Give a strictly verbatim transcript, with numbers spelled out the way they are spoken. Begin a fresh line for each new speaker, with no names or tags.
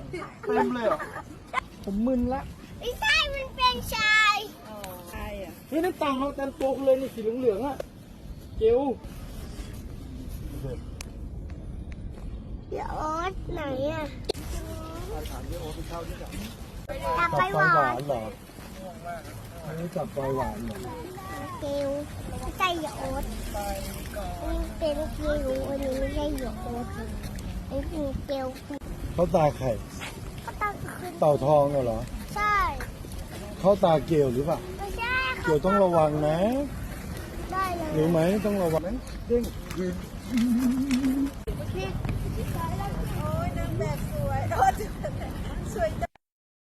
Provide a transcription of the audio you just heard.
เต็มเลยเหรอผมมึนละ
ไม่ใช่มันเป็นชาย
ใช่อ่ะ
เฮ้ยนั่นต่างเราแต่ตัวคุณเลยนี่สีเหลืองๆอ่ะเกล
เดี๋ยวโอ๊ตไหนอ่ะ
ถามเยอะโอ้ไปเข้าที่ไหน
อยากไปหวาน
เหรออันนี้จับไฟหวานเหรอ
เกลไม่ใช่เหยโอ๊ตนี่เป็นเกลอันนี้ไม่ใช่เหยโอ๊ตอันนี้เป็นเกล
เขาตาไข่
ก็ต้องขึ้น
เต่าทองเหรอ
ใช่
เขาตาเกลหรือเปล่า
ไม่ใช่
เกลต้องระวังนะ
ได้เลย
รู้ไหมต้องระวังนะเด้งยืน